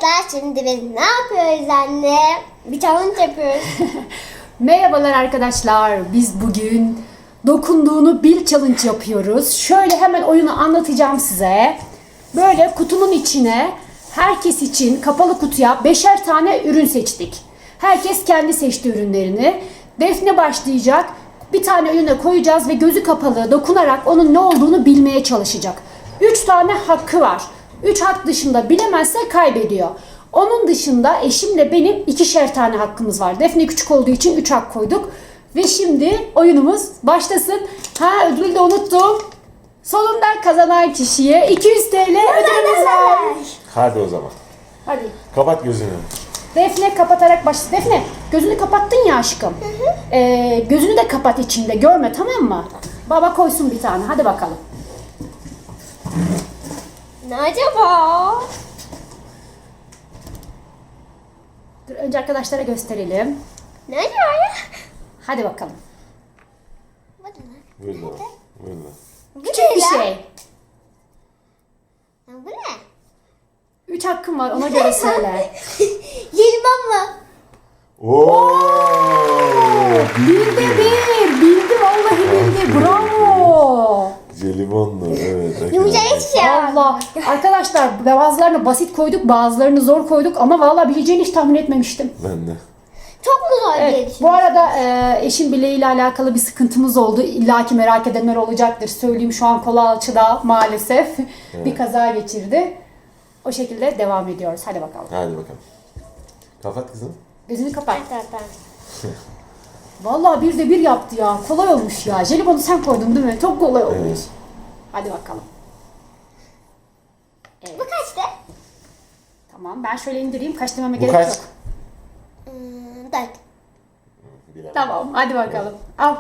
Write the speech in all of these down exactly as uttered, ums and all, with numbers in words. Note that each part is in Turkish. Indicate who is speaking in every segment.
Speaker 1: Arkadaşlar şimdi biz ne yapıyoruz anne? Bir challenge yapıyoruz.
Speaker 2: Merhabalar arkadaşlar. Biz bugün dokunduğunu bil challenge yapıyoruz. Şöyle hemen oyunu anlatacağım size. Böyle kutunun içine herkes için kapalı kutuya beşer tane ürün seçtik. Herkes kendi seçti ürünlerini. Defne başlayacak. Bir tane ürüne koyacağız ve gözü kapalı dokunarak onun ne olduğunu bilmeye çalışacak. Üç tane hakkı var. Üç hak dışında bilemezse kaybediyor. Onun dışında eşimle benim ikişer tane hakkımız var. Defne küçük olduğu için üç hak koyduk. Ve şimdi oyunumuz başlasın. Ha, ödülü de unuttum. Sonunda kazanan kişiye iki yüz TL ödülümüz var.
Speaker 3: Hadi o zaman.
Speaker 2: Hadi.
Speaker 3: Kapat gözünü.
Speaker 2: Defne kapatarak başla. Defne gözünü kapattın ya aşkım. Ee, gözünü de kapat içinde görme, tamam mı? Baba koysun bir tane, hadi bakalım.
Speaker 1: Ne acaba?
Speaker 2: Dur, önce arkadaşlara gösterelim.
Speaker 1: Ne acaba ya?
Speaker 2: Hadi bakalım.
Speaker 1: Bu ne?
Speaker 3: Burada. Burada.
Speaker 1: Bu
Speaker 2: Küçük
Speaker 1: ne
Speaker 2: bir
Speaker 1: ya?
Speaker 2: şey.
Speaker 1: Ya bu ne?
Speaker 2: Üç hakkım var, ona göre söyle.
Speaker 1: Jelibon mu?
Speaker 3: Oo!
Speaker 2: Bildi bir, bildi vallahi bildi, bravo.
Speaker 3: Jelibonlu, evet.
Speaker 1: Yumuşak hiçbir şey var.
Speaker 2: Allah. Arkadaşlar bazılarını basit koyduk, bazılarını zor koyduk ama vallahi bileceğini hiç tahmin etmemiştim.
Speaker 3: Ben de.
Speaker 1: Çok mu zor diye
Speaker 2: Evet,
Speaker 1: düşündüm.
Speaker 2: bu arada e, eşim bileğiyle alakalı bir sıkıntımız oldu. İlla ki merak edenler olacaktır. Söyleyeyim, şu an kolu alçıda maalesef bir kaza geçirdi. O şekilde devam ediyoruz. Hadi bakalım.
Speaker 3: Hadi bakalım. Kapat kızım.
Speaker 2: Gözünü kapat.
Speaker 1: Tamam, tamam.
Speaker 2: Vallahi bir de bir yaptı ya. Kolay olmuş ya. Jelibonu sen koydun değil mi? Çok kolay olmuş.
Speaker 3: Evet.
Speaker 2: Hadi bakalım.
Speaker 1: Bu kaçtı?
Speaker 2: Tamam, ben şöyle indireyim. Kaç dememe
Speaker 3: Bu
Speaker 2: gerek
Speaker 3: kaç?
Speaker 2: yok.
Speaker 1: Hmm, dört.
Speaker 3: Bilemem.
Speaker 2: Tamam, hadi bakalım. Al.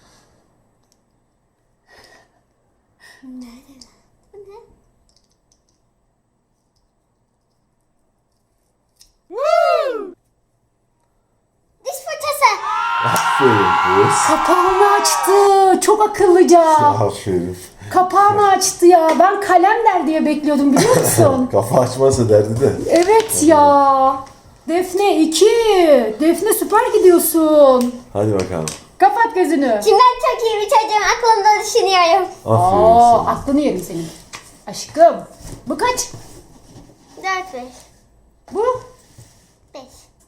Speaker 1: Hmm. Diş fırçası.
Speaker 3: Aferin kız.
Speaker 2: Kapağını açtı. Çok akıllıca.
Speaker 3: Aferin.
Speaker 2: Kapağını açtı ya. Ben kalem der diye bekliyordum, biliyor musun?
Speaker 3: Kafa açmazsa derdi de.
Speaker 2: Evet ya. Defne iki. Defne süper gidiyorsun.
Speaker 3: Hadi bakalım.
Speaker 2: Kapat gözünü.
Speaker 1: Şimdi ben çok iyi bir çocuğum, aklımda düşünüyorum.
Speaker 3: Aferin
Speaker 2: Aa,
Speaker 3: sana.
Speaker 2: aklını yerim senin. Aşkım. Bu kaç?
Speaker 1: Dört, beş.
Speaker 2: Bu?
Speaker 1: Beş.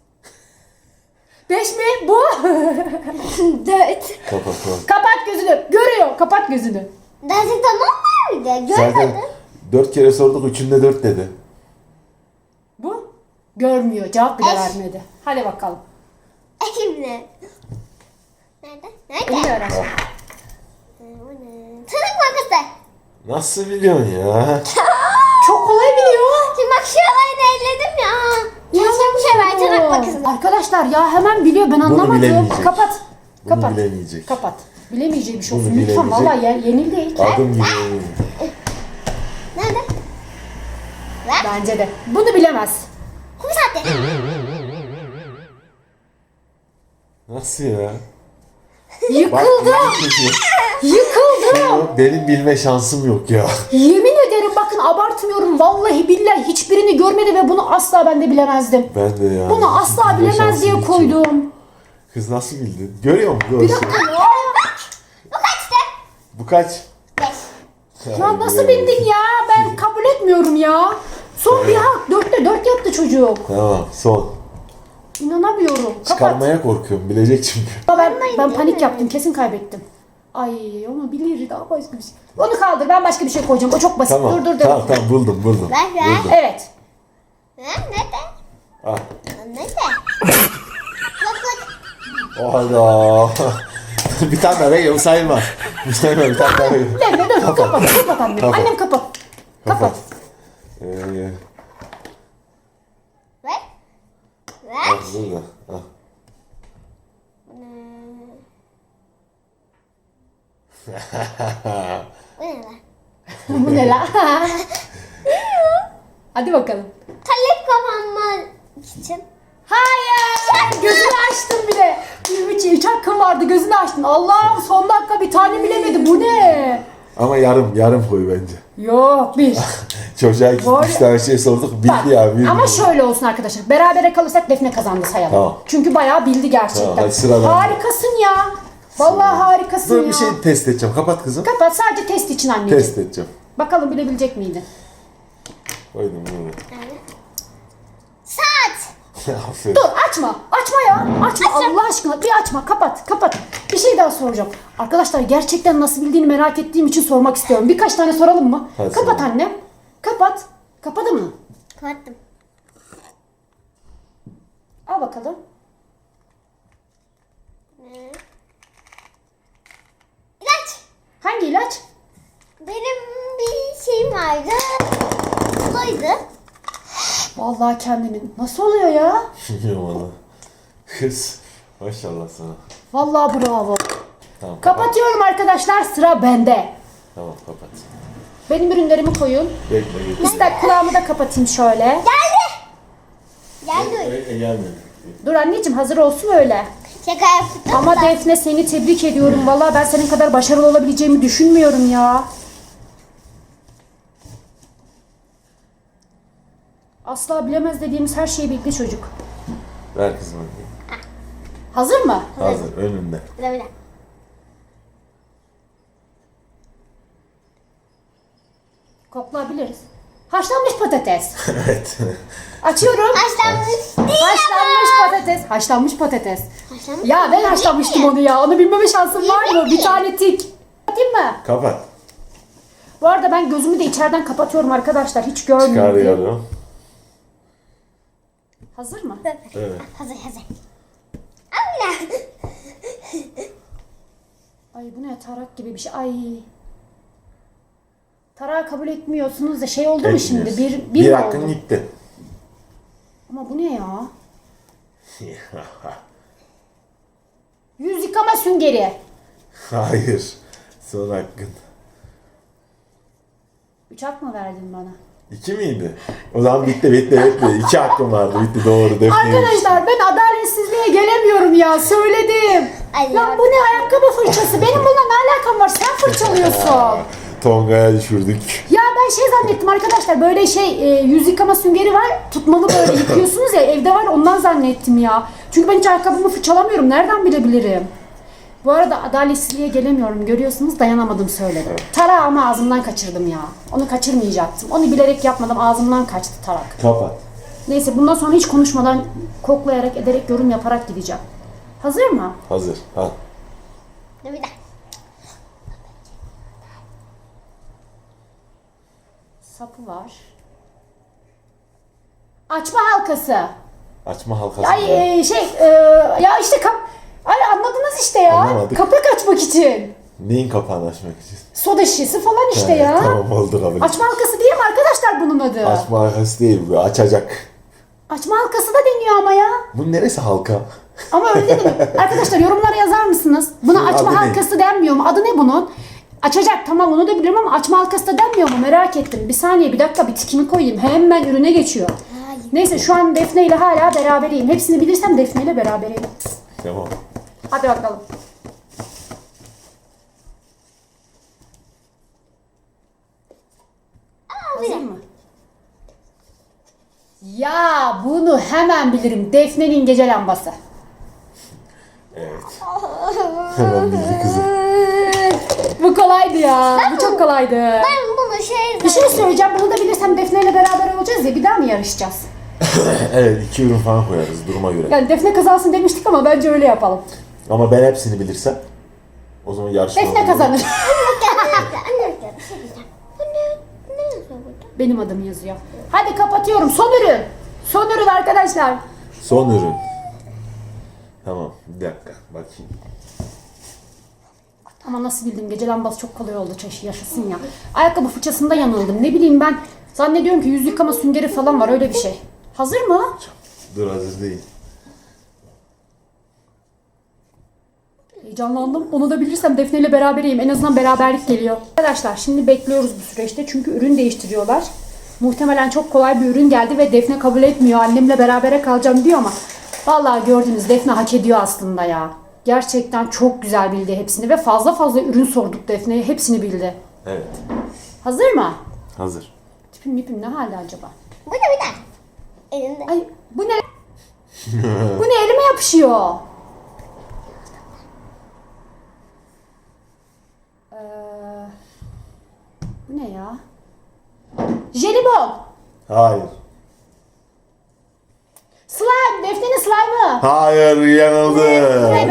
Speaker 2: Beş mi? Bu?
Speaker 1: Dört.
Speaker 3: Kapat kapat.
Speaker 2: Kapat gözünü. Görüyor. Kapat gözünü.
Speaker 1: Dersin tamam var mıydı?
Speaker 3: Zaten
Speaker 1: Görmedim.
Speaker 3: dört kere sorduk, üçünde dört dedi.
Speaker 2: Bu? Görmüyor. Cevap bile
Speaker 1: Eş.
Speaker 2: vermedi. Hadi bakalım.
Speaker 1: Şimdi. Nerede? Nerede?
Speaker 2: Biliyor aşkım.
Speaker 1: Bu ne? Tırnak makası.
Speaker 3: Nasıl biliyorsun ya?
Speaker 2: Çok kolay biliyor.
Speaker 1: Şimdi bak şu olayını elledim ya. Keşke bir şey ver tırnak makası.
Speaker 2: Arkadaşlar ya hemen biliyor, ben anlamadım.
Speaker 3: bilemeyecek.
Speaker 2: Kapat.
Speaker 3: Bunu
Speaker 2: Kapat.
Speaker 3: bilemeyecek.
Speaker 2: Kapat. Bilemeyeceği bir şey
Speaker 3: Bunu
Speaker 2: olsun. Lütfen
Speaker 3: bilemeyecek.
Speaker 2: vallahi ye- yenildi ilk.
Speaker 3: Adım gibi.
Speaker 1: Nerede? Ver.
Speaker 2: Bence de. Bunu bilemez.
Speaker 1: Kum saati.
Speaker 3: Nasıl ya?
Speaker 2: Yıkıldı.
Speaker 3: Bak, çekiyor.
Speaker 2: Yıkıldı.
Speaker 3: Benim bilme şansım yok ya.
Speaker 2: Yemin ederim, bakın abartmıyorum. Vallahi billahi hiçbirini görmedi ve bunu asla ben de bilemezdim.
Speaker 3: Ben de ya.
Speaker 2: Bunu asla
Speaker 3: Bilme
Speaker 2: bilemez
Speaker 3: şansım
Speaker 2: diye
Speaker 3: hiç yok.
Speaker 2: koydum.
Speaker 3: Kız nasıl bildin? Görüyor musun?
Speaker 2: Bir
Speaker 3: Görsün.
Speaker 2: dakika ya.
Speaker 1: Bu kaçtı?
Speaker 3: Bu kaç?
Speaker 1: Beş.
Speaker 2: Ya nasıl bildin ya? Ben kabul etmiyorum ya. Son bir hak. Dörtte dört yaptı çocuk.
Speaker 3: Tamam, son.
Speaker 2: İnanamıyorum. Kapat.
Speaker 3: Çıkarmaya korkuyorum, bilecek çünkü.
Speaker 2: Ben, ben panik yaptım. Kesin kaybettim. Ay, onu bilir, daha başka bir şey. Onu kaldır. Ben başka bir şey koyacağım. O çok basit.
Speaker 3: Tamam,
Speaker 2: dur dur dur.
Speaker 3: tamam, tamam, buldum, buldum.
Speaker 1: Ver, ver.
Speaker 3: Buldum.
Speaker 2: Evet.
Speaker 1: Ha, nerede?
Speaker 3: Ah.
Speaker 1: Nerede? Bak bak.
Speaker 3: O hada. Bir tane daha veriyorum, sayılmaz. Bir sayılmaz, bir tane daha veriyorum.
Speaker 2: Dur dur dur. Kapat. Kapat annem.
Speaker 3: Kapat.
Speaker 2: Annem kapat. Kapat.
Speaker 3: Ee,
Speaker 1: Ver. Ver.
Speaker 3: ah, burada. Ah.
Speaker 1: Bu ne lan?
Speaker 2: Bu ne la? Hadi bakalım.
Speaker 1: Kalep kapanma için.
Speaker 2: Hayır. Gözünü açtın bir de. Üç, üç hakkın vardı. Gözünü açtın. Allah'ım, son dakika bir tane bilemedi. Bu ne?
Speaker 3: Ama yarım, yarım koy bence.
Speaker 2: Yok bir.
Speaker 3: Çocuğa iki
Speaker 2: Doğru.
Speaker 3: üç tane şey sorduk, bildi
Speaker 2: Bak,
Speaker 3: ya. Bildi.
Speaker 2: ama şöyle olsun arkadaşlar. Berabere kalırsak Defne kazandı sayalım.
Speaker 3: Tamam.
Speaker 2: Çünkü bayağı bildi gerçekten.
Speaker 3: Tamam, hadi sıra bende.
Speaker 2: Harikasın ya. Vallahi harikasın
Speaker 3: Dur
Speaker 2: ya.
Speaker 3: bir şey test edeceğim. Kapat kızım.
Speaker 2: Kapat, sadece test için anneciğim.
Speaker 3: Test edeceğim.
Speaker 2: Bakalım bilebilecek miydi?
Speaker 3: Koydum bunu.
Speaker 1: Saat.
Speaker 3: Aferin.
Speaker 2: Dur açma. Açma ya. Açma Allah aşkına. Bir açma. Kapat. Kapat. Bir şey daha soracağım. Arkadaşlar gerçekten nasıl bildiğini merak ettiğim için sormak istiyorum. Birkaç tane soralım mı?
Speaker 3: Hadi
Speaker 2: Kapat
Speaker 3: soralım.
Speaker 2: annem. Kapat. Kapadı mı?
Speaker 1: Kapattım.
Speaker 2: Al bakalım.
Speaker 1: İlaç.
Speaker 2: Hangi ilaç?
Speaker 1: Benim bir şeyim vardı. Buydu.
Speaker 2: Vallahi kendimin. Nasıl oluyor ya?
Speaker 3: Bilmiyorum valla. Kız. Maşallah sana.
Speaker 2: Vallahi bravo.
Speaker 3: Tamam kapat.
Speaker 2: Kapatıyorum arkadaşlar. Sıra bende.
Speaker 3: Tamam kapat.
Speaker 2: Benim ürünlerimi koyun.
Speaker 3: Bekle bekle.
Speaker 2: İster kulağımı da kapatayım şöyle.
Speaker 1: Geldi. Geldi.
Speaker 3: Bekle gelmedi.
Speaker 2: Dur anneciğim hazır olsun öyle.
Speaker 1: Şaka yaptım.
Speaker 2: Ama
Speaker 1: da.
Speaker 2: Defne seni tebrik ediyorum. Vallahi ben senin kadar başarılı olabileceğimi düşünmüyorum ya. Asla bilemez dediğimiz her şeyi bildi çocuk.
Speaker 3: Ver kızım hadi.
Speaker 2: Hazır mı?
Speaker 3: Hazır önünde.
Speaker 1: Bir de bir de.
Speaker 2: Koklayabiliriz. Haşlanmış patates.
Speaker 3: Evet.
Speaker 2: Açıyorum.
Speaker 1: Haşlanmış değil
Speaker 2: Haşlanmış
Speaker 1: ama.
Speaker 2: patates. Haşlanmış patates.
Speaker 1: Haşlanmış
Speaker 2: Ya ben
Speaker 1: değil
Speaker 2: haşlanmıştım
Speaker 1: mi?
Speaker 2: onu ya. Onu bilmeme şansım var mı?
Speaker 1: Değil mi?
Speaker 2: Bir tane tik. Kapatayım mı?
Speaker 3: Kapat.
Speaker 2: Bu arada ben gözümü de içeriden kapatıyorum arkadaşlar. Hiç görmüyorum.
Speaker 3: Çıkarıyorum.
Speaker 2: Hazır mı?
Speaker 3: Evet.
Speaker 1: Hazır hazır. Allah.
Speaker 2: Ay bu ne tarak gibi bir şey. Ay. Tarağı kabul etmiyorsunuz da şey oldu mu şimdi? Bir, bir,
Speaker 3: bir
Speaker 2: mi
Speaker 3: hakkın
Speaker 2: oldu?
Speaker 3: gitti.
Speaker 2: Ama bu ne ya? Yüz yıkama süngeri.
Speaker 3: Hayır. Son hakkın.
Speaker 2: Üç hak mı verdin bana?
Speaker 3: İki miydi? O zaman bitti bitti bitti. İki hakkım vardı bitti doğru. Defne'ymiş.
Speaker 2: Arkadaşlar ben adaletsizliğe gelemiyorum ya. Söyledim.
Speaker 1: Ay
Speaker 2: Lan
Speaker 1: ya.
Speaker 2: bu ne ayakkabı fırçası? Benim bununla ne alakam var? Sen fırçalıyorsun.
Speaker 3: Tonga'ya düşürdük.
Speaker 2: Ya ben şey zannettim arkadaşlar, böyle şey e, yüz yıkama süngeri var, tutmalı böyle yıkıyorsunuz ya, evde var, ondan zannettim ya. Çünkü ben hiç ayakkabımı fırçalamıyorum, nereden bilebilirim? Bu arada adaletsizliğe gelemiyorum, görüyorsunuz, dayanamadım söyledim. Tarağımı ağzımdan kaçırdım ya, onu kaçırmayacaktım. Onu bilerek yapmadım, ağzımdan kaçtı tarak.
Speaker 3: Kapat.
Speaker 2: Neyse bundan sonra hiç konuşmadan, koklayarak, ederek, yorum yaparak gideceğim. Hazır mı?
Speaker 3: Hazır. Al.
Speaker 1: Bir de.
Speaker 2: Sapı var. Açma halkası.
Speaker 3: Açma halkası.
Speaker 2: Ay e, şey e, ya işte kap ay anladınız işte ya.
Speaker 3: Anlamadık.
Speaker 2: Kapak açmak için.
Speaker 3: Neyin kapağını açmak için?
Speaker 2: Soda şişesi falan işte
Speaker 3: Evet,
Speaker 2: ya.
Speaker 3: Tamam oldu kabul.
Speaker 2: Açma halkası değil mi arkadaşlar bunun adı?
Speaker 3: Açma halkası değil bu. Açacak.
Speaker 2: Açma halkası da deniyor ama ya.
Speaker 3: Bunun neresi halka?
Speaker 2: Ama öyle değil mi? Arkadaşlar yorumlara yazar mısınız? Buna
Speaker 3: Bunun
Speaker 2: açma
Speaker 3: adı ne?
Speaker 2: halkası denmiyor mu? Adı ne bunun? Açacak tamam onu da biliyorum ama açma halkası da denmiyor mu? Merak ettim. Bir saniye bir dakika bir tikimi koyayım. Hemen ürüne geçiyor.
Speaker 1: Hayır.
Speaker 2: Neyse şu an Defne ile hala berabereyim. Hepsini bilirsem Defne ile berabereyim.
Speaker 3: Tamam.
Speaker 2: Hadi bakalım. Hazır mı? Ya bunu hemen bilirim. Defne'nin gece lambası.
Speaker 3: Evet. Hemen bildi kızım.
Speaker 2: Bu kolaydı ya. Bu çok kolaydı.
Speaker 1: Ben bunu şey
Speaker 2: Bir şey söyleyeceğim. Bunu da bilirsem Defne ile beraber olacağız ya. Bir daha mı yarışacağız?
Speaker 3: Evet iki ürün falan koyarız duruma göre.
Speaker 2: Yani Defne kazansın demiştik ama bence öyle yapalım.
Speaker 3: Ama ben hepsini bilirsem o zaman yarışma
Speaker 2: Defne
Speaker 3: olur.
Speaker 2: kazanır.
Speaker 1: Anne bir şey diyeceğim. Bu ne? Ne yazıyor burada?
Speaker 2: Benim adım yazıyor. Hadi kapatıyorum. Son ürün. Son ürün arkadaşlar.
Speaker 3: Son ürün. Tamam bir dakika bakayım.
Speaker 2: Ama nasıl bildim, gece lambası çok kolay oldu, çeşi yaşasın ya. Ayakkabı fırçasında yanıldım, ne bileyim ben. Zannediyorum ki yüz yıkama süngeri falan var, öyle bir şey. Hazır mı?
Speaker 3: Dur hazır değil.
Speaker 2: Heyecanlandım. Onu da bilirsem Defne ile berabereyim. En azından beraberlik geliyor. Arkadaşlar şimdi bekliyoruz bu süreçte çünkü ürün değiştiriyorlar. Muhtemelen çok kolay bir ürün geldi ve Defne kabul etmiyor. Annemle berabere kalacağım diyor ama vallahi gördünüz, Defne hak ediyor aslında ya. Gerçekten çok güzel bildi hepsini ve fazla fazla ürün sorduk Defne'ye. Hepsini bildi.
Speaker 3: Evet.
Speaker 2: Hazır mı?
Speaker 3: Hazır.
Speaker 2: Tipim mipim ne halde acaba?
Speaker 1: Bu da bir de. Elinde.
Speaker 2: Ay bu ne? Bu ne elime yapışıyor? Ee, bu ne ya? Jelibon.
Speaker 3: Hayır.
Speaker 2: Slime. Defne'nin slime'ı.
Speaker 3: Hayır, yanıldı.
Speaker 2: Evet.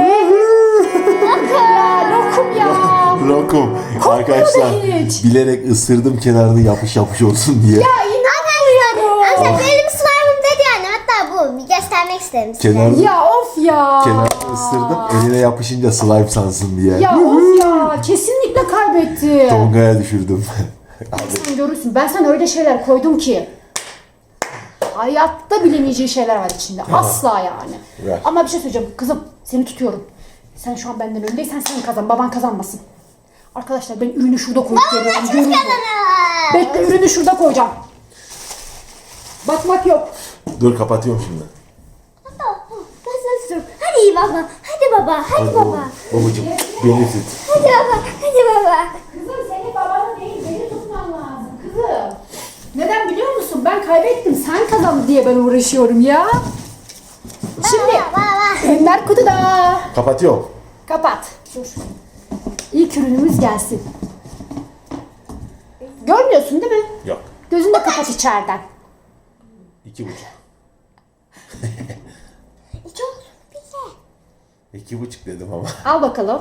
Speaker 2: Ya lokum ya.
Speaker 3: Lokum.
Speaker 2: Kokmuyor
Speaker 3: Arkadaşlar
Speaker 2: da hiç.
Speaker 3: bilerek ısırdım kenarını yapış yapış olsun diye.
Speaker 2: Ya inanmıyorum.
Speaker 1: Aslında benim slime'ım dedi yani. Hatta bu. Bir göstermek isterim size.
Speaker 3: Kenarını,
Speaker 2: Ya of ya.
Speaker 3: kenarını ısırdım eline yapışınca slime sansın diye.
Speaker 2: Ya of ya. Kesinlikle kaybetti.
Speaker 3: Tonga'ya düşürdüm.
Speaker 2: Sen görürsün. Ben sana öyle şeyler koydum ki. Hayatta bilemeyeceği şeyler var içinde. Asla yani.
Speaker 3: Ver.
Speaker 2: Ama bir şey söyleyeceğim. Kızım seni tutuyorum. Sen şu an benden öndeysen sen kazan. Baban kazanmasın. Arkadaşlar ben ürünü şurada koyup geliyorum. Görün bu. Bekle ürünü şurada koyacağım. Bakmak yok.
Speaker 3: Dur kapatıyorum şimdi.
Speaker 1: Ben sana tutuyorum. Hadi iyi baba. Hadi baba. Hadi baba.
Speaker 3: Babacım beni tut.
Speaker 1: Hadi baba. Hadi baba.
Speaker 2: Kızım senin babanı değil beni tutman lazım kızım. Neden biliyor musun? Ben kaybettim sen kazandın diye ben uğraşıyorum ya. Şimdi
Speaker 1: Baba.
Speaker 2: ürünler kutuda.
Speaker 3: Kapatıyorum.
Speaker 2: Kapat. Dur. İlk ürünümüz gelsin. Görmüyorsun değil mi?
Speaker 3: Yok.
Speaker 2: Gözünü de kapat içeriden.
Speaker 3: İki buçuk.
Speaker 1: Çok güzel.
Speaker 3: İki buçuk dedim ama.
Speaker 2: Al bakalım.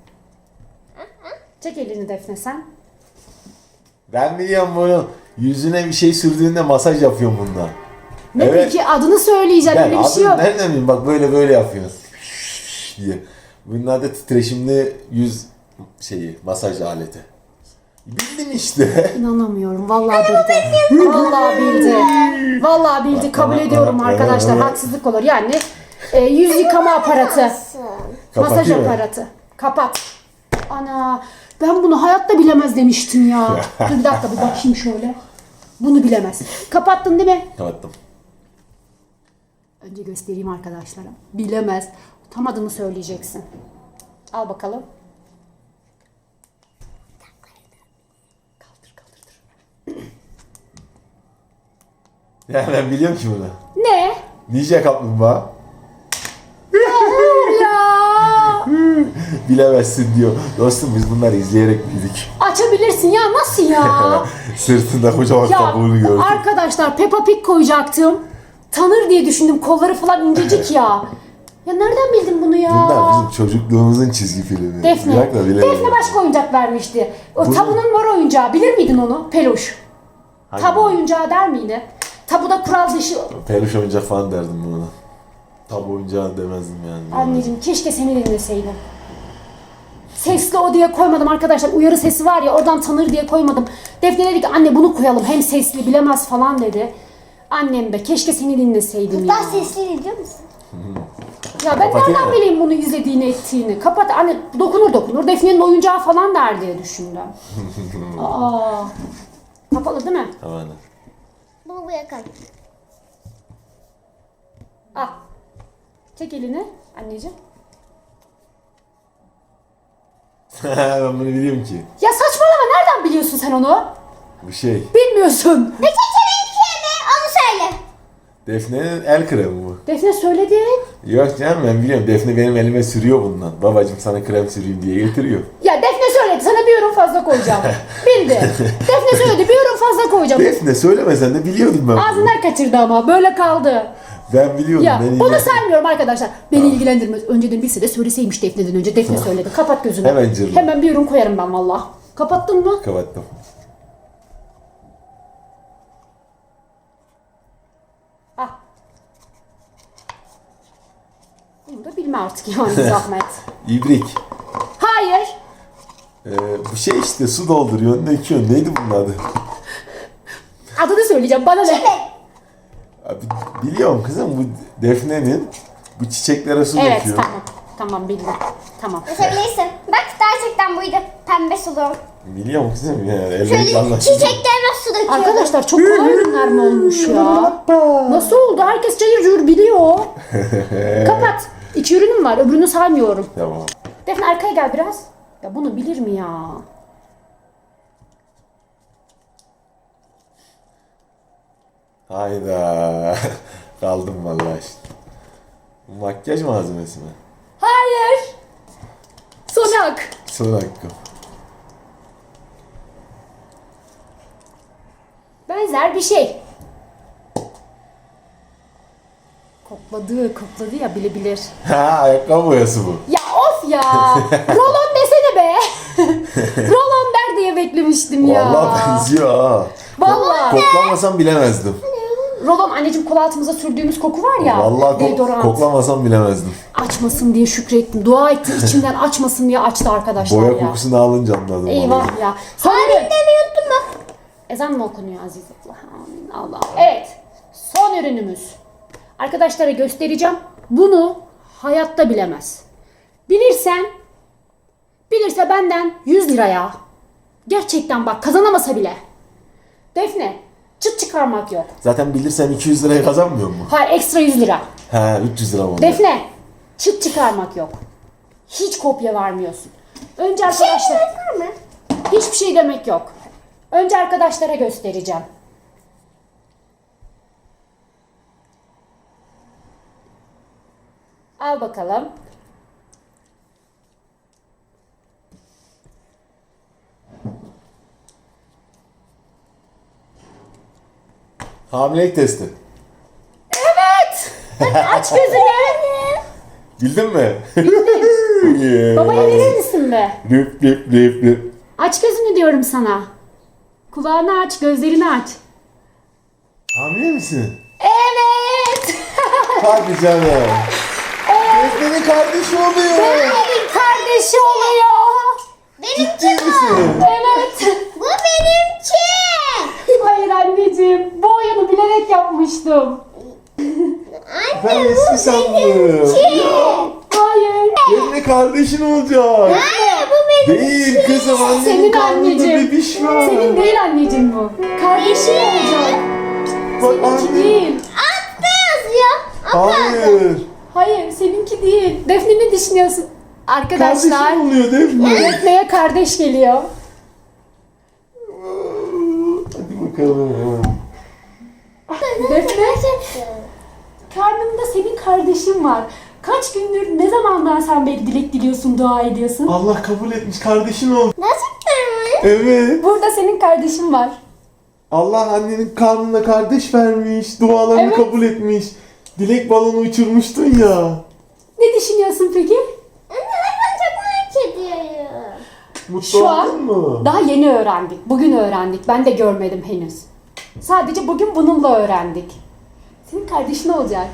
Speaker 2: Çek elini Defne sen.
Speaker 3: Ben biliyorum bunu. Yüzüne bir şey sürdüğünde masaj yapıyorum bununla.
Speaker 2: Ne
Speaker 3: Evet.
Speaker 2: peki adını söyleyeceğim
Speaker 3: Ben
Speaker 2: öyle bir şey
Speaker 3: adını
Speaker 2: yok.
Speaker 3: nereden bileyim? Bak böyle böyle yapıyorsun. diye. Bunun adı titreşimli yüz şeyi, masaj aleti. Bildim işte.
Speaker 2: İnanamıyorum. Vallahi bildi. Vallahi bildi. Vallahi bildi. Kabul ediyorum arkadaşlar. Haksızlık olur. Yani e, yüz yıkama aparatı. Masaj
Speaker 3: Kapatıyor mu?
Speaker 2: aparatı. Kapat. Ana ben bunu hayatta bilemez demiştim ya. Dur bir dakika bir bakayım şöyle. Bunu bilemez. Kapattın değil mi?
Speaker 3: Kapattım.
Speaker 2: Önce göstereyim arkadaşlara. Bilemez. Tam adını söyleyeceksin. Al bakalım. Kaldır kaldır.
Speaker 3: Ya ben biliyorum ki bunu.
Speaker 2: Ne?
Speaker 3: Ninja kaplumbağa.
Speaker 2: Ya.
Speaker 3: Bilemezsin diyor. Dostum biz bunları izleyerek büyüdük.
Speaker 2: Açabilirsin ya nasıl ya?
Speaker 3: Sırtında kocaman
Speaker 2: Ya
Speaker 3: kabuğunu gördüm.
Speaker 2: arkadaşlar Peppa Pig koyacaktım. Tanır diye düşündüm. Kolları falan incecik ya. Ya nereden bildin bunu ya?
Speaker 3: Bunlar bizim çocukluğumuzun çizgi filmi.
Speaker 2: Defne.
Speaker 3: Bırak da bilemedim.
Speaker 2: Defne başka oyuncak vermişti. O
Speaker 3: Bu-
Speaker 2: tabunun mor oyuncağı. Bilir miydin onu? Peluş.
Speaker 3: Hangi-
Speaker 2: Tabu oyuncağı der miydi? Tabuda kural dışı.
Speaker 3: Peluş oyuncak falan derdim buna. Tabu oyuncağı demezdim yani.
Speaker 2: Anneciğim keşke seni dinleseydim. Sesli o diye koymadım arkadaşlar. Uyarı sesi var ya oradan tanır diye koymadım. Defne dedi ki anne bunu koyalım hem sesli bilemez falan dedi. Annem be keşke seni dinleseydim ya.
Speaker 1: Ben sesli biliyor musun?
Speaker 2: Ya ben
Speaker 3: Kapatayım
Speaker 2: nereden
Speaker 3: mı?
Speaker 2: bileyim bunu izlediğini ettiğini. Kapat anne dokunur dokunur. Defne'nin oyuncağı falan der diye düşündüm. Aa, kapalı değil mi?
Speaker 3: Tamam.
Speaker 1: Bunu buraya koy.
Speaker 2: Al. Çek elini anneciğim.
Speaker 3: Ben bunu biliyorum ki.
Speaker 2: Ya saçmalama nereden biliyorsun sen onu?
Speaker 3: Bu şey.
Speaker 2: Bilmiyorsun.
Speaker 1: Peki kimin kimi? Onu söyle.
Speaker 3: Defne'nin el kremi bu.
Speaker 2: Defne söyledi.
Speaker 3: Yok canım ben biliyorum. Defne benim elime sürüyor bundan. Babacım sana krem süreyim diye getiriyor.
Speaker 2: Ya Defne söyledi sana bir ürün fazla koyacağım. Bildi. Defne söyledi bir ürün fazla koyacağım.
Speaker 3: Defne söylemesen de biliyordum ben. bunu.
Speaker 2: Ağzından kaçırdı ama böyle kaldı.
Speaker 3: Ben biliyordum.
Speaker 2: Ya
Speaker 3: beni
Speaker 2: bunu
Speaker 3: ilgilen-
Speaker 2: saymıyorum arkadaşlar. Beni ilgilendirmez. Önceden bilse de söyleseymiş Defne'den önce. Defne söyledi. Kapat gözünü.
Speaker 3: Hemen cırla.
Speaker 2: Hemen bir ürün koyarım ben valla. Kapattın mı?
Speaker 3: Kapattım.
Speaker 2: Ah. Bunu da bilme artık yani zahmet.
Speaker 3: İbrik.
Speaker 2: Hayır.
Speaker 3: Ee, bu şey işte su dolduruyor, döküyor. Neydi bunun adı?
Speaker 2: Adını söyleyeceğim bana ne?
Speaker 3: Abi, biliyorum kızım bu Defne'nin bu çiçeklere su
Speaker 2: Evet
Speaker 3: döküyor.
Speaker 2: tamam. Tamam bildim. Tamam.
Speaker 1: Açabilirsin. Bak gerçekten buydu. Pembe sulu.
Speaker 3: Biliyorum kızım ya.
Speaker 1: Şöyle
Speaker 3: Elbette anlaşılıyor.
Speaker 1: çiçeklerine su döküyor.
Speaker 2: Arkadaşlar çok kolay ürünler mi olmuş ya? Nasıl oldu? Herkes cayır cayır biliyor. Kapat. İki ürünüm var. Öbürünü saymıyorum.
Speaker 3: Tamam.
Speaker 2: Defne arkaya gel biraz. Ya bunu bilir mi ya?
Speaker 3: Hayda. Kaldım vallahi işte. Bu makyaj malzemesi mi?
Speaker 2: Hayır. Son hak.
Speaker 3: Son hakkım.
Speaker 2: Benzer bir şey. Kokladı, kokladı ya bilebilir.
Speaker 3: Ha, ayakkabı boyası bu.
Speaker 2: Ya of ya. Rolon desene be. Rolon der diye beklemiştim ya.
Speaker 3: Vallahi benziyor ha.
Speaker 2: Vallahi.
Speaker 3: Koklamasam bilemezdim.
Speaker 2: Rolon anneciğim kol altımıza sürdüğümüz koku var ya.
Speaker 3: Vallahi ko-
Speaker 2: deodorant.
Speaker 3: koklamasam bilemezdim.
Speaker 2: Açmasın diye şükrettim. Dua etti içimden açmasın diye açtı arkadaşlar
Speaker 3: Boya
Speaker 2: ya.
Speaker 3: kokusunu alınca anladım.
Speaker 2: Eyvah
Speaker 3: vallahi.
Speaker 2: ya. Son ürün. Unuttum ben. Ezan mı okunuyor Aziz Allah? Amin Allah. Evet. Son ürünümüz. Arkadaşlara göstereceğim. Bunu hayatta bilemez. Bilirsen, bilirse benden yüz liraya. Gerçekten bak kazanamasa bile. Defne, çıt çıkarmak yok.
Speaker 3: Zaten bilirsen iki yüz liraya kazanmıyor mu?
Speaker 2: Hayır ekstra yüz lira.
Speaker 3: He üç yüz lira mı?
Speaker 2: Defne, çıt çıkarmak yok. Hiç kopya vermiyorsun. Önce arkadaşlar...
Speaker 1: Var mı?
Speaker 2: Hiçbir şey demek yok. Önce arkadaşlara göstereceğim. Al bakalım.
Speaker 3: Hamilelik testi.
Speaker 2: Evet. Aç gözünü.
Speaker 3: Bildin mi?
Speaker 2: Babaya verir misin be?
Speaker 3: Rüp rüp rüp rüp.
Speaker 2: Aç gözünü diyorum sana. Kulağını aç, gözlerini aç.
Speaker 3: Hamile misin?
Speaker 2: Evet.
Speaker 3: Hadi canım. Defne'nin kardeşi oluyor.
Speaker 2: Benim kardeşi oluyor.
Speaker 3: Ciddi misin?
Speaker 2: Evet.
Speaker 1: Bu benimki.
Speaker 2: Hayır anneciğim. Bu oyunu bilerek yapmıştım.
Speaker 3: Ben eski sandım.
Speaker 2: Hayır.
Speaker 3: Defne kardeşin olacak.
Speaker 1: Hayır bu benim.
Speaker 3: Değil kızım annenin
Speaker 2: Senin
Speaker 3: karnında
Speaker 2: anneciğim.
Speaker 3: bebiş var.
Speaker 2: Senin değil anneciğim bu. Kardeşin olacak.
Speaker 3: Bak
Speaker 2: Seninki
Speaker 3: anne.
Speaker 2: değil.
Speaker 1: Altta yazıyor.
Speaker 3: Hayır.
Speaker 2: Hayır seninki değil. Defne ne düşünüyorsun? Arkadaşlar
Speaker 3: Kardeşin oluyor Defne.
Speaker 2: Defne'ye kardeş geliyor.
Speaker 3: Hadi bakalım.
Speaker 2: Defne karnında senin kardeşin var. Kaç gündür ne zamandan sen beri dilek diliyorsun, dua ediyorsun?
Speaker 3: Allah kabul etmiş kardeşin oldu.
Speaker 1: Nasıl mi?
Speaker 3: Evet.
Speaker 2: Burada senin kardeşin var.
Speaker 3: Allah annenin karnına kardeş vermiş. Dualarını
Speaker 2: Evet.
Speaker 3: kabul etmiş. Dilek balonu uçurmuştun ya.
Speaker 2: Ne düşünüyorsun peki?
Speaker 1: Anne ben çok merak ediyorum.
Speaker 3: Mutlu
Speaker 2: Şu an
Speaker 3: oldun mu?
Speaker 2: daha yeni öğrendik. Bugün öğrendik. Ben de görmedim henüz. Sadece bugün bununla öğrendik. Senin kardeşin olacak.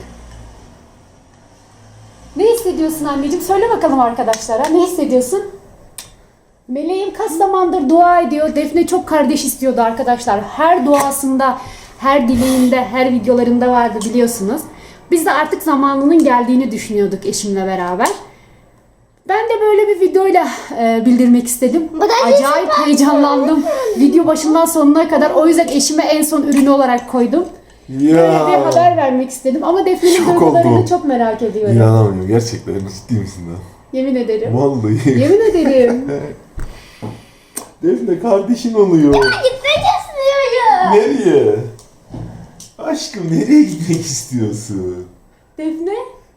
Speaker 2: Ne hissediyorsun anneciğim? Söyle bakalım arkadaşlara. Ne hissediyorsun? Meleğim kaç zamandır dua ediyor. Defne çok kardeş istiyordu arkadaşlar. Her duasında, her dileğinde, her videolarında vardı biliyorsunuz. Biz de artık zamanının geldiğini düşünüyorduk eşimle beraber. Ben de böyle bir videoyla e, bildirmek istedim.
Speaker 1: da
Speaker 2: Acayip heyecanlandım. Video başından sonuna kadar. O yüzden eşime en son ürünü olarak koydum. Böyle bir
Speaker 3: Ya.
Speaker 2: haber vermek istedim. Ama Defne'nin
Speaker 3: Şok
Speaker 2: duygularını
Speaker 3: oldum.
Speaker 2: çok merak ediyorum.
Speaker 3: İnanamıyorum gerçekten. Ciddi misin lan?
Speaker 2: Yemin ederim.
Speaker 3: Vallahi.
Speaker 2: Yemin ederim.
Speaker 3: Defne kardeşin oluyor.
Speaker 1: Gitmek istiyorum.
Speaker 3: Nereye? Aşkım nereye gitmek istiyorsun?
Speaker 2: Defne?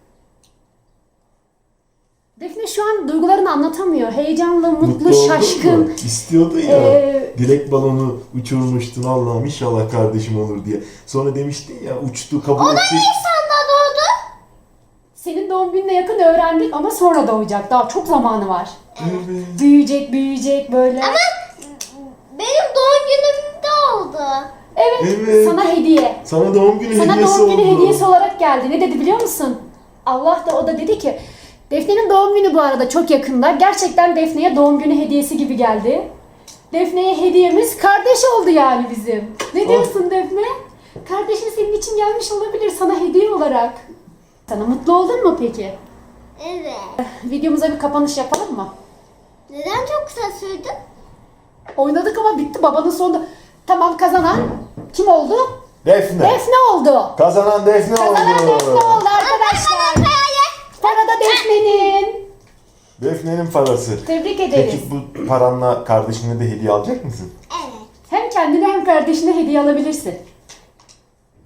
Speaker 2: Defne şu an duygularını anlatamıyor. Heyecanlı, mutlu,
Speaker 3: oldun
Speaker 2: şaşkın.
Speaker 3: mu? İstiyordu ya.
Speaker 2: Ee,
Speaker 3: Dilek balonu uçurmuştun Allah'ım inşallah kardeşim olur diye. Sonra demiştin ya uçtu kabul edecek.
Speaker 1: Nisan'da doğdu.
Speaker 2: Senin doğum gününe yakın öğrendik ama sonra doğacak. Daha çok zamanı var.
Speaker 3: Evet.
Speaker 2: Büyüyecek, büyüyecek böyle.
Speaker 1: Benim doğum günümde oldu.
Speaker 2: Evet,
Speaker 3: Evet.
Speaker 2: sana hediye.
Speaker 3: Sana doğum günü
Speaker 2: Sana
Speaker 3: hediyesi
Speaker 2: doğum günü
Speaker 3: oldu.
Speaker 2: hediyesi olarak geldi. Ne dedi biliyor musun? Allah da o da dedi ki Defne'nin doğum günü bu arada çok yakında. Gerçekten Defne'ye doğum günü hediyesi gibi geldi. Defne'ye hediyemiz kardeş oldu yani bizim. Ne diyorsun Defne? Kardeşin senin için gelmiş olabilir sana hediye olarak. Sana mutlu oldun mu peki?
Speaker 1: Evet.
Speaker 2: Videomuza bir kapanış yapalım mı?
Speaker 1: Neden çok kısa sürdü?
Speaker 2: Oynadık ama bitti babanın sonunda. Tamam kazanan kim oldu?
Speaker 3: Defne.
Speaker 2: Defne oldu.
Speaker 3: Kazanan Defne oldu.
Speaker 2: Kazanan Defne oldu arkadaşlar. Para da Defne'nin.
Speaker 3: Defne'nin parası.
Speaker 2: Tebrik ederiz.
Speaker 3: Peki bu paranla kardeşine de hediye alacak mısın?
Speaker 1: Evet.
Speaker 2: Hem kendine hem kardeşine hediye alabilirsin.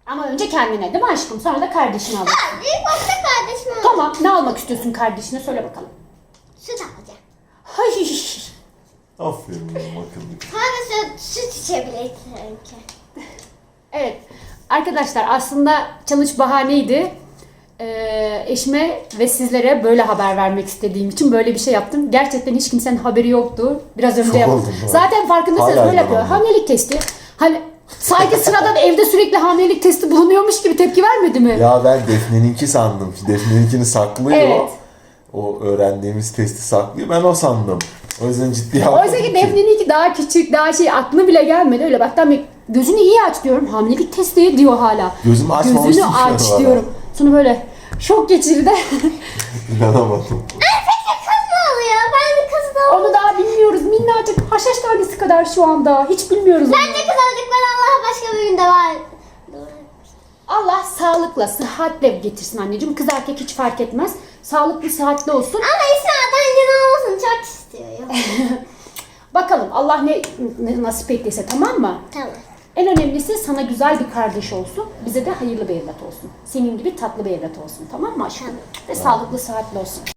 Speaker 2: Ama önce kendine değil mi aşkım? Sonra da kardeşine al.
Speaker 1: Ha, ilk başta kardeşim oldu.
Speaker 2: Tamam, ne almak istiyorsun kardeşine? Söyle bakalım.
Speaker 1: Süt alacağım.
Speaker 2: Hay.
Speaker 3: Aferin benim akıllı.
Speaker 1: Sadece süt, süt içebilir sanki.
Speaker 2: Evet. Arkadaşlar aslında challenge bahaneydi. Ee, eşime ve sizlere böyle haber vermek istediğim için böyle bir şey yaptım. Gerçekten hiç kimsenin haberi yoktu. Biraz önce
Speaker 3: Şok
Speaker 2: yaptım.
Speaker 3: oldum ben.
Speaker 2: Zaten farkındasınız
Speaker 3: Hala
Speaker 2: böyle yapıyor.
Speaker 3: inanamıyorum.
Speaker 2: Hamilelik testi. Hani sanki sıradan evde sürekli hamilelik testi bulunuyormuş gibi tepki vermedi mi?
Speaker 3: Ya ben Defne'ninki sandım. Defne'ninkini saklıyor.
Speaker 2: Evet.
Speaker 3: O öğrendiğimiz testi saklıyor. Ben o sandım. O yüzden ciddi almadım
Speaker 2: Oysa ki Defne'ninki daha küçük, daha şey aklına bile gelmedi. Öyle bak tam bir gözünü iyi aç diyorum. Hamilelik testi diyor hala.
Speaker 3: Gözümü açmamıştım
Speaker 2: Gözünü
Speaker 3: şu an
Speaker 2: aç
Speaker 3: hala.
Speaker 2: diyorum. Sonra böyle şok geçirdi.
Speaker 3: İnanamadım.
Speaker 1: Peki kız mı oluyor? Ben de kız da
Speaker 2: Onu daha bilmiyoruz. Minnacık haşhaş tanesi kadar şu anda. Hiç bilmiyoruz onu.
Speaker 1: Bence kız olacaklar Allah'a başka bir günde var.
Speaker 2: Allah sağlıkla, sıhhatle getirsin anneciğim. Kız erkek hiç fark etmez. Sağlıklı, sıhhatli olsun.
Speaker 1: Ama İsa'dan gün olmasını çok istiyorum.
Speaker 2: Bakalım Allah ne, ne nasip ettiyse, tamam mı?
Speaker 1: Tamam.
Speaker 2: En önemlisi sana güzel bir kardeş olsun. Bize de hayırlı bir evlat olsun. Senin gibi tatlı bir evlat olsun. Tamam mı aşkım?
Speaker 1: Tamam.
Speaker 2: Ve sağlıklı, sıhhatli olsun.